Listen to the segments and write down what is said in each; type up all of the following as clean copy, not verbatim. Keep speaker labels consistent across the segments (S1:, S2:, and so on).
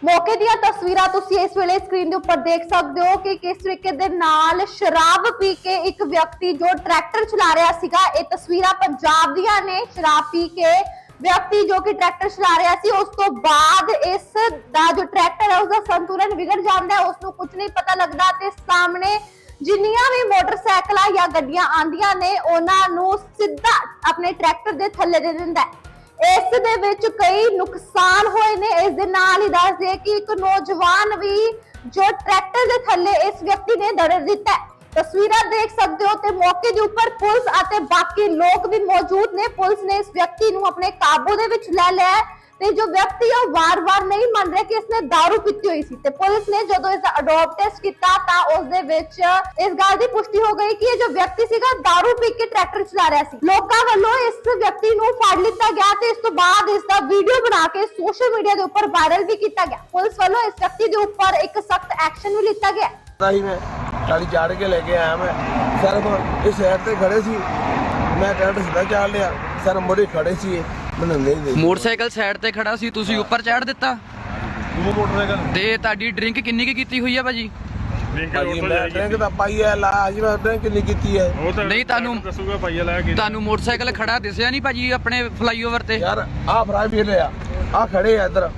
S1: मौके ਦੀਆਂ ਤਸਵੀਰਾਂ ਤੁਸੀਂ ਇਸ ਵੇਲੇ ਸਕਰੀਨ ਦੇ ਉੱਪਰ ਦੇਖ ਸਕਦੇ ਹੋ ਕਿ ਕਿਸ ਤਰੀਕੇ ਦੇ ਨਾਲ ਸ਼ਰਾਬ ਪੀ ਕੇ ਇੱਕ ਵਿਅਕਤੀ ਜੋ ਟਰੈਕਟਰ ਚਲਾ ਰਿਹਾ ਸੀਗਾ। ਇਹ ਤਸਵੀਰਾਂ ਪੰਜਾਬ ਦੀਆਂ ਨੇ। ਸ਼ਰਾਬ ਪੀ ਕੇ ਵਿਅਕਤੀ ਜੋ ਕਿ ਟਰੈਕਟਰ ਚਲਾ ਰਿਹਾ ਸੀ, ਉਸ ਤੋਂ ਬਾਅਦ ਇਸ ਦਾ ਜੋ ਟਰੈਕਟਰ ਹੈ ਉਸਦਾ ਸੰਤੁਲਨ ਵਿਗੜ ਜਾਂਦਾ ਹੈ, ਉਸ ਨੂੰ ਕੁਝ ਨਹੀਂ ਪਤਾ ਲੱਗਦਾ ਤੇ ਸਾਹਮਣੇ ਜਿੰਨੀਆਂ ਵੀ ਮੋਟਰਸਾਈਕਲਾਂ ਜਾਂ ਗੱਡੀਆਂ ਆਂਦੀਆਂ ਨੇ ਉਹਨਾਂ ਨੂੰ ਸਿੱਧਾ ਆਪਣੇ ਟਰੈਕਟਰ ਦੇ ਥੱਲੇ ਦੇ ਦਿੰਦਾ ਹੈ। ਇਸ ਦੇ ਵਿੱਚ ਕਈ ਨੁਕਸਾਨ ਹੋਏ ਨੇ। ਇਸ ਦੇ ਨਾਲ ਹੀ ਦੱਸ ਦੇ ਕਿ ਇੱਕ ਨੌਜਵਾਨ ਵੀ ਜੋ ਟਰੈਕਟਰ ਦੇ ਥੱਲੇ ਇਸ ਵਿਅਕਤੀ ਨੇ ਦੜ ਦਿੱਤਾ ਹੈ। ਤਸਵੀਰਾਂ ਦੇਖ ਸਕਦੇ ਹੋ ਤੇ ਮੌਕੇ ਦੇ ਉੱਪਰ ਪੁਲਿਸ ਅਤੇ ਬਾਕੀ ਲੋਕ ਵੀ ਮੌਜੂਦ ਨੇ। ਪੁਲਿਸ ਨੇ ਇਸ ਵਿਅਕਤੀ ਨੂੰ ਆਪਣੇ ਕਾਬੂ ਦੇ ਵਿੱਚ ਲੈ ਲਿਆ ਹੈ ਤੇ ਜੋ ਵਿਅਕਤੀ ਉਹ ਵਾਰ-ਵਾਰ ਨਹੀਂ ਮੰਨ ਰਿਹਾ ਕਿ ਇਸਨੇ दारू ਪੀਤੀ ਹੋਈ ਸੀ ਤੇ ਪੁਲਿਸ ਨੇ ਜਦੋਂ ਇਸ ਦਾ ਅਡੋਪ ਟੈਸਟ ਕੀਤਾ ਤਾਂ ਉਸ ਦੇ ਵਿੱਚ ਇਸ ਗੱਲ ਦੀ ਪੁਸ਼ਟੀ ਹੋ ਗਈ ਕਿ ਇਹ ਜੋ ਵਿਅਕਤੀ ਸੀਗਾ दारू ਪੀ ਕੇ ਟਰੈਕਟਰ ਚਲਾ ਰਿਹਾ ਸੀ। ਲੋਕਾਂ ਵੱਲੋਂ ਇਸ ਵਿਅਕਤੀ ਨੂੰ ਫੜ ਲਿੱਤਾ ਗਿਆ ਤੇ ਇਸ ਤੋਂ ਬਾਅਦ ਇਸ ਦਾ ਵੀਡੀਓ ਬਣਾ ਕੇ ਸੋਸ਼ਲ ਮੀਡੀਆ ਦੇ ਉੱਪਰ ਵਾਇਰਲ ਵੀ ਕੀਤਾ ਗਿਆ। ਪੁਲਿਸ ਵੱਲੋਂ ਇਸ ਵਿਅਕਤੀ ਦੇ ਉੱਪਰ ਇੱਕ ਸਖਤ ਐਕਸ਼ਨ ਵੀ ਲਿੱਤਾ ਗਿਆ।
S2: ही मैं गाड़ी चाड़ के लेके आया। मैं सर इस साइड से खड़े सी, मैं ट्रैक्टर सीधा चाड़ लिया। सर मुड़े खड़े सी, मैंने नहीं देखी।
S3: ਮੋਟਰਸਾਈਕਲ ਸਾਈਡ ਤੇ ਖੜਾ ਸੀ, ਤੁਸੀਂ ਉੱਪਰ ਚੜ੍ਹ ਦਿੱਤਾ
S2: वो मोटरसाइकिल
S3: ਤੇ ਤੁਹਾਡੀ ਡਰਿੰਕ ਕਿੰਨੀ ਕੀ ਕੀਤੀ ਹੋਈ ਆ ਭਾਜੀ?
S2: भाजी मैं ड्रिंक तो पाई है ला जी, मैं ड्रिंक नहीं की है।
S3: ਨਹੀਂ ਤੁਹਾਨੂੰ ਮੋਟਰਸਾਈਕਲ ਖੜਾ ਦਿਸਿਆ ਨਹੀਂ ਭਾਜੀ ਆਪਣੇ ਫਲਾਈਓਵਰ ਤੇ?
S2: यार आ फ्राई फील है, आ खड़े है इधर,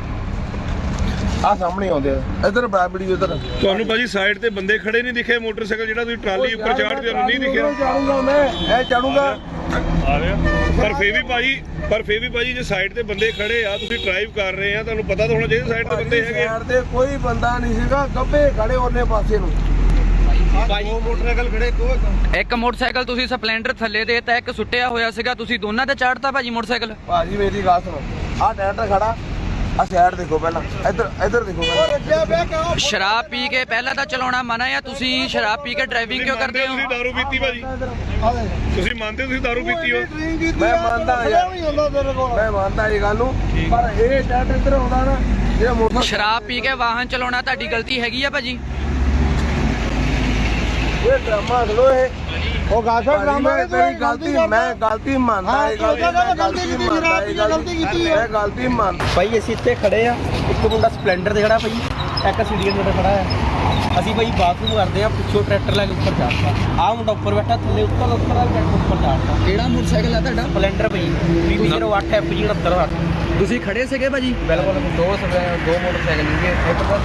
S2: आ सामने आउंदे इधर बराबरी इधर।
S4: ਤੁਹਾਨੂੰ ਭਾਜੀ ਸਾਈਡ ਤੇ ਬੰਦੇ ਖੜੇ ਨਹੀਂ ਦਿਖੇ? ਮੋਟਰਸਾਈਕਲ ਜਿਹੜਾ ਤੁਸੀਂ ਟਰਾਲੀ ਉੱਪਰ ਚਾੜਦੇ ਹੋ ਨਹੀਂ ਦਿਖਿਆ?
S2: चाड़ूंगा मैं चढ़ूंगा।
S4: ਆ ਰਿਹਾ ਪਰ ਫੇਰ ਵੀ ਭਾਜੀ ਜੇ ਸਾਈਡ ਤੇ ਬੰਦੇ ਖੜੇ ਆ, ਤੁਸੀਂ ਡਰਾਈਵ ਕਰ ਰਹੇ ਆ, ਤੁਹਾਨੂੰ ਪਤਾ ਤਾਂ ਹੋਣਾ ਚਾਹੀਦਾ ਸਾਈਡ ਤੇ ਬੰਦੇ ਹੈਗੇ।
S2: ਸਾਈਡ ਤੇ ਕੋਈ ਬੰਦਾ ਨਹੀਂ ਸੀਗਾ, ਗੱਬੇ ਖੜੇ ਉਹਨੇ ਪਾਸੇ ਨੂੰ।
S4: ਉਹ ਮੋਟਰਸਾਈਕਲ ਖੜੇ
S3: ਇੱਕ ਮੋਟਰਸਾਈਕਲ ਤੁਸੀਂ ਸਪਲੈਂਡਰ ਥੱਲੇ ਦੇ ਤਾਂ ਇੱਕ ਸੁੱਟਿਆ ਹੋਇਆ ਸੀਗਾ, ਤੁਸੀਂ ਦੋਨਾਂ ਤੇ ਚੜ੍ਹਤਾ ਭਾਜੀ ਮੋਟਰਸਾਈਕਲ?
S2: ਭਾਜੀ ਮੇਰੀ ਗੱਲ ਸੁਣੋ, ਆ ਟਰੈਕਟਰ ਖੜਾ, ਆ ਸਾਈਡ ਦੇਖੋ ਪਹਿਲਾਂ, ਇੱਧਰ ਦੇਖੋ ਪਹਿਲਾਂ।
S3: ਸ਼ਰਾਬ ਪੀ ਕੇ ਪਹਿਲਾਂ ਤਾਂ ਚਲਾਉਣਾ ਮਨਾ ਆ, ਤੁਸੀਂ ਸ਼ਰਾਬ ਪੀ ਕੇ ਡਰਾਈਵਿੰਗ ਕਿਉਂ ਕਰਦੇ ਹੋ?
S4: ਤੁਸੀਂ ਦਾਰੂ ਪੀਤੀ ਭਾਜੀ? ਤੁਸੀਂ ਮੰਨਦੇ ਹੋ ਤੁਸੀਂ ਦਾਰੂ ਪੀਤੀ ਹੋ?
S2: ਮੈਂ ਮੰਨਦਾ ਯਾਰ, ਮੈਂ ਮੰਨਦਾ ਇਹ ਗੱਲ ਨੂੰ, ਪਰ ਇਹ ਟਰੈਕਟਰ ਇੱਧਰ ਆਉਂਦਾ ਨਾ ਜਿਹੜਾ ਮੋਟਰ।
S3: ਸ਼ਰਾਬ ਪੀ ਕੇ ਵਾਹਨ ਚਲਾਉਣਾ ਤੁਹਾਡੀ ਗਲਤੀ ਹੈਗੀ ਆ ਭਾਜੀ?
S2: ਇਹ ਡਰਾਮਾ ਖਲੋ ਇਹ ਉਹ ਗਾਸਾ ਡਰਾਮਾ ਹੈ। ਤੇਰੀ ਗਲਤੀ, ਮੈਂ ਗਲਤੀ ਮੰਨਦਾ, ਇਹ ਗਲਤੀ ਕੀਤੀ ਹੈ, ਗਲਤੀ ਮੰਨ।
S5: ਭਾਈ ਅਸੀਂ ਇੱਥੇ ਖੜੇ ਆ, ਇੱਕ ਮੁੰਡਾ ਸਪਲੈਂਡਰ ਤੇ ਖੜਾ ਭਾਈ, ਇੱਕ ਸੀਡੀਐਨ ਤੇ ਖੜਾ ਆ। ਅਸੀਂ ਭਾਈ ਬਾਥਰੂਮ ਕਰਦੇ ਆ, ਪਿੱਛੋਂ ਟਰੈਕਟਰ ਲੈ ਕੇ ਉੱਪਰ ਚੜ੍ਹਦਾ। ਆਹ ਮੁੰਡਾ ਉੱਪਰ ਬੈਠਾ, ਥੱਲੇ ਉੱਤਰ ਟਰੈਕਟਰ ਉੱਪਰ ਚੜ੍ਹਦਾ।
S3: ਕਿਹੜਾ ਮੋਟਰਸਾਈਕਲ ਆ ਤੁਹਾਡਾ?
S5: ਸਪਲੈਂਡਰ ਭਾਈ 2008 FG 69।
S3: ਤੁਸੀਂ ਖੜੇ ਸੀਗੇ ਭਾਜੀ?
S5: ਬਿਲਕੁਲ ਦੋ ਮੋਟਰਸਾਈਕਲ ਸੀਗੇ, ਇੱਕ ਤਾਂ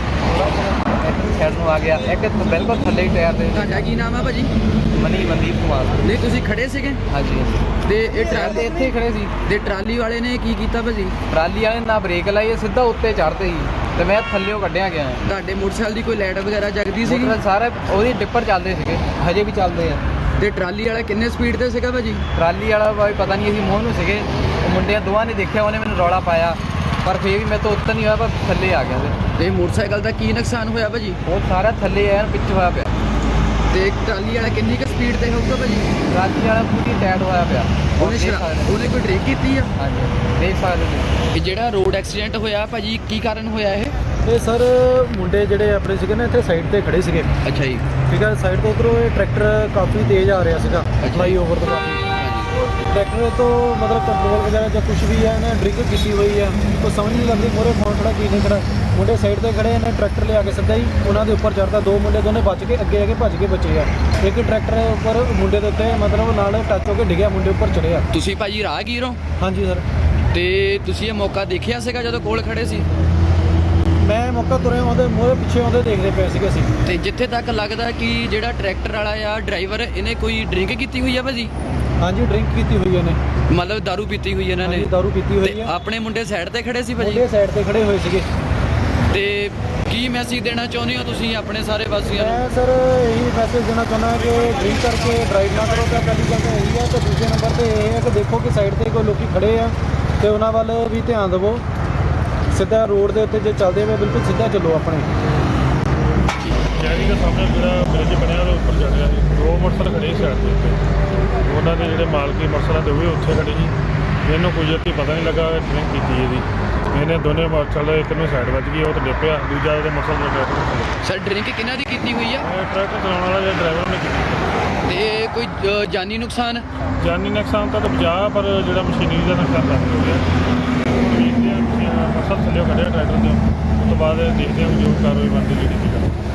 S5: ਸਾਈਡ ਨੂੰ ਆ ਗਿਆ, ਇੱਕ ਬਿਲਕੁਲ ਥੱਲੇ ਹੀ ਟਾਇਰ ਦੇ।
S3: ਤੁਹਾਡਾ ਕੀ ਨਾਮ ਆ ਭਾਜੀ?
S5: ਮਨਦੀਪ ਕੁਮਾਰ।
S3: ਨਹੀਂ ਤੁਸੀਂ ਖੜੇ ਸੀਗੇ
S5: ਹਾਂਜੀ
S3: ਤੇ ਇਹ ਟਰਾਲੀ
S5: ਇੱਥੇ ਹੀ ਖੜੇ ਸੀ
S3: ਤੇ ਟਰਾਲੀ ਵਾਲੇ ਨੇ ਕੀ ਕੀਤਾ ਭਾਜੀ?
S5: ਟਰਾਲੀ ਵਾਲੇ ਨਾ ਬ੍ਰੇਕ ਲਾਈ, ਸਿੱਧਾ ਉੱਤੇ ਚੜ੍ਹਦੇ ਸੀ ਤੇ ਮੈਂ ਥੱਲੇੋਂ ਕੱਢਿਆ ਗਿਆ।
S3: ਤੁਹਾਡੇ ਮੋਟਰਸਾਈਕਲ ਦੀ ਕੋਈ ਲਾਈਟ ਵਗੈਰਾ ਜਗਦੀ ਸੀਗੀ?
S5: ਸਾਰੇ ਉਹਦੀ ਡਿੱਪਰ ਚੱਲਦੇ ਸੀਗੇ, ਹਜੇ ਵੀ ਚੱਲਦੇ ਆ।
S3: ਤੇ ਟਰਾਲੀ ਵਾਲਾ ਕਿੰਨੇ ਸਪੀਡ ਤੇ ਸੀਗਾ ਭਾਜੀ?
S5: ਟਰਾਲੀ ਵਾਲਾ ਬਾਈ ਪਤਾ ਨਹੀਂ, ਅਸੀਂ ਮੋਹ ਨੂੰ ਸੀਗੇ, ਉਹ ਮੁੰਡਿਆਂ ਦੋਵਾਂ ਨੇ ਦੇਖਿਆ, ਉਹਨੇ ਮੈਨੂੰ ਰੌਲਾ ਪਾਇਆ, ਪਰ ਫੇਰ ਵੀ ਮੈਂ ਤਾਂ ਉੱਤਰ ਨਹੀਂ ਹੋਇਆ, ਪਰ ਥੱਲੇ ਆ ਗਿਆ।
S3: ਤੇ ਮੋਟਰਸਾਈਕਲ ਦਾ ਕੀ ਨੁਕਸਾਨ ਹੋਇਆ ਭਾਜੀ?
S5: ਉਹ ਸਾਰਾ ਥੱਲੇ ਆਇਆ, ਪਿੱਛੇ ਹੋਇਆ ਪਿਆ।
S3: ਤੇ ਟਰਾਲੀ ਵਾਲਾ ਕਿੰਨੀ ਕੁ ਸਪੀਡ ਤੇ ਹੋਊਗਾ ਭਾਜੀ?
S5: ਟਰਾਲੀ ਵਾਲਾ ਪੂਰੀ ਟਾਇਟ ਹੋਇਆ ਪਿਆ।
S3: ਉਹਨੇ ਕੋਈ ਡਰਿੰਕ ਕੀਤੀ ਆ?
S5: ਹਾਂਜੀ ਦੇਖ ਸਕਦੇ ਤੁਸੀਂ।
S3: ਇਹ ਜਿਹੜਾ ਰੋਡ ਐਕਸੀਡੈਂਟ ਹੋਇਆ ਭਾਜੀ, ਕੀ ਕਾਰਨ ਹੋਇਆ ਇਹ?
S6: ਇਹ ਸਰ ਮੁੰਡੇ ਜਿਹੜੇ ਆਪਣੇ ਸੀਗੇ ਨਾ ਇੱਥੇ ਸਾਈਡ ਤੇ ਖੜੇ ਸੀਗੇ,
S3: ਅੱਛਾ ਜੀ।
S6: ਠੀਕ ਹੈ। ਸਾਈਡ ਤੋਂ ਉਧਰੋਂ ਇਹ ਟਰੈਕਟਰ ਕਾਫੀ ਤੇਜ਼ ਆ ਰਿਹਾ ਸੀਗਾ, ਫਲਾਈਓਵਰ ਤੋਂ ਕਾਫੀ। ਟਰੈਕਟਰ ਤੋਂ ਮਤਲਬ ਕੰਟਰੋਲ ਵਗੈਰਾ ਜਾਂ ਕੁਝ ਵੀ ਹੈ, ਇਹਨੇ ਡਰਿੰਕ ਕੀਤੀ ਹੋਈ ਹੈ, ਕੋਈ ਸਮਝ ਨਹੀਂ ਲੱਗਦੀ ਮੋਰੇ ਕੌਣ ਖੜਾ ਕੀ ਨਹੀਂ ਖੜਾ। ਮੁੰਡੇ ਸਾਈਡ ਤੇ ਖੜੇ, ਇਹਨੇ ਟਰੈਕਟਰ ਲਿਆ ਕੇ ਸਿੱਧਾ ਹੀ ਉਹਨਾਂ ਦੇ ਉੱਪਰ ਚੜ੍ਹਦਾ। ਦੋ ਮੁੰਡੇ ਦੋਨੇ ਬਚ ਕੇ ਅੱਗੇ ਆ ਕੇ ਭੱਜ ਕੇ ਬਚੇ ਆ। ਇੱਕ ਟਰੈਕਟਰ ਉੱਪਰ ਮੁੰਡੇ ਦੇ ਉੱਤੇ ਮਤਲਬ ਨਾਲ ਟੱਚ ਹੋ ਕੇ ਡਿੱਗਿਆ, ਮੁੰਡੇ ਉੱਪਰ ਚੜਿਆ।
S3: ਤੁਸੀਂ ਭਾਜੀ ਰਾਹਗੀਰ ਹੋ?
S6: ਹਾਂਜੀ ਸਰ।
S3: ਤੇ ਤੁਸੀਂ ਇਹ ਮੌਕਾ ਦੇਖਿਆ ਸੀਗਾ ਜਦੋਂ ਕੋਲ ਖੜੇ ਸੀ?
S6: ਮੈਂ ਮੌਕਾ ਤੁਰੇ ਆਉਂਦੇ ਮੋਰੇ ਪਿੱਛੇ ਆਉਂਦੇ ਦੇਖਦੇ ਪਏ ਸੀਗੇ ਅਸੀਂ।
S3: ਤੇ ਜਿੱਥੇ ਤੱਕ ਲੱਗਦਾ ਕਿ ਜਿਹੜਾ ਟਰੈਕਟਰ ਵਾਲਾ ਆ ਡਰਾਈਵਰ, ਇਹਨੇ ਕੋਈ ਡਰਿੰਕ ਕੀਤੀ ਹੋਈ ਆ ਭਾਜੀ?
S6: ਹਾਂਜੀ ਡਰਿੰਕ ਕੀਤੀ ਹੋਈ ਇਹਨੇ,
S3: ਮਤਲਬ ਦਾਰੂ ਪੀਤੀ ਹੋਈ ਇਹਨਾਂ ਨੇ?
S6: ਦਾਰੂ ਪੀਤੀ ਹੋਈ
S3: ਤੇ
S6: ਹੈ।
S3: ਆਪਣੇ ਮੁੰਡੇ ਸਾਈਡ ਤੇ ਖੜੇ ਸੀ ਭਾਜੀ?
S6: ਮੁੰਡੇ ਸਾਈਡ ਤੇ ਖੜੇ ਹੋਏ ਸੀਗੇ।
S3: ਤੇ ਕੀ ਮੈਸੇਜ ਦੇਣਾ ਚਾਹੁੰਦੇ ਹੋ ਤੁਸੀਂ ਆਪਣੇ ਸਾਰੇ ਵਾਸੀਆਂ ਨੂੰ?
S6: ਮੈਂ ਸਰ ਇਹੀ ਮੈਸੇਜ ਦੇਣਾ ਚਾਹੁੰਦਾ ਕਿ ਡਰਿੰਕ ਕਰਕੇ ਡਰਾਈਵ ਨਾ ਕਰੋ। ਤਾਂ ਪਹਿਲੀ ਗੱਲ ਤਾਂ ਇਹੀ ਹੈ, ਤੇ ਦੂਜੇ ਨੰਬਰ ਤੇ ਇਹ ਹੈ ਕਿ ਦੇਖੋ ਕਿ ਸਾਈਡ ਤੇ ਕੋਈ ਲੋਕੀ ਖੜੇ ਆ ਤੇ ਉਹਨਾਂ ਵੱਲ ਵੀ ਧਿਆਨ ਦੇਵੋ। ਸਿੱਧਾ ਰੋਡ ਦੇ ਉੱਤੇ ਜੇ ਚੱਲਦੇ ਹੋਏ ਬਿਲਕੁਲ ਸਿੱਧਾ ਚੱਲੋ ਆਪਣੇ।
S4: ਸ਼ਹਿਰੀ ਦੇ ਸਾਹਮਣੇ ਜਿਹੜਾ ਬ੍ਰਿਜ ਬਣਿਆ ਉਹਦੇ ਉੱਪਰ ਚੜ ਰਿਹਾ ਸੀ, ਦੋ ਮੋਟਰਸਾਈਕਲ ਖੜੇ ਸੀ ਸਾਈਡ ਦੇ ਉੱਤੇ। ਉਹਨਾਂ ਦੇ ਜਿਹੜੇ ਮਾਲਕੀ ਮੋਟਰਸਾਈਕਲ ਦੇ ਉਹ ਵੀ ਉੱਥੇ ਖੜੇ ਸੀ। ਇਹਨੂੰ ਕੋਈ ਜੱਤੀ ਪਤਾ ਨਹੀਂ ਲੱਗਾ ਡਰਿੰਕ ਕੀਤੀ ਇਹਦੀ। ਇਹਨੇ ਦੋਨੇ ਮੋਟਰਸਾਈਕਲ, ਇੱਕ ਨੂੰ ਸਾਈਡ ਵੱਜ ਗਈ, ਉਹ ਤਾਂ ਡਿੱਪਿਆ, ਦੂਜਾ ਉਹਦੇ ਮੋਟਰਸਾਈਕਲ ਦੇ ਟਰੈਕਟਰ।
S3: ਸਰ ਡਰਿੰਕ ਕਿਹਨਾਂ ਦੀ ਕੀਤੀ ਹੋਈ ਆ?
S4: ਟਰੈਕਟਰ ਚਲਾਉਣ ਵਾਲਾ ਜਿਹੜਾ ਡਰਾਈਵਰ ਨੇ ਕੀਤੀ।
S3: ਤੇ ਕੋਈ ਜਾਨੀ ਨੁਕਸਾਨ?
S4: ਜਾਨੀ ਨੁਕਸਾਨ ਤਾਂ ਬਚਾ, ਪਰ ਜਿਹੜਾ ਮਸ਼ੀਨਰੀ ਦਾ ਨੁਕਸਾਨ ਲੱਗ ਗਿਆ। ਮੋਟਰਸਾਈਕਲ ਥੱਲੇ ਕੱਢਿਆ ਟਰੈਕਟਰ ਤੋਂ, ਉਸ ਤੋਂ ਬਾਅਦ ਦੇਖਦੇ ਹਾਂ ਵੀ ਜੋ ਕਾਰਵਾਈ ਬਣਦੀ ਜਿਹੜੀ ਕੀਤੀ ਜਾਵੇ।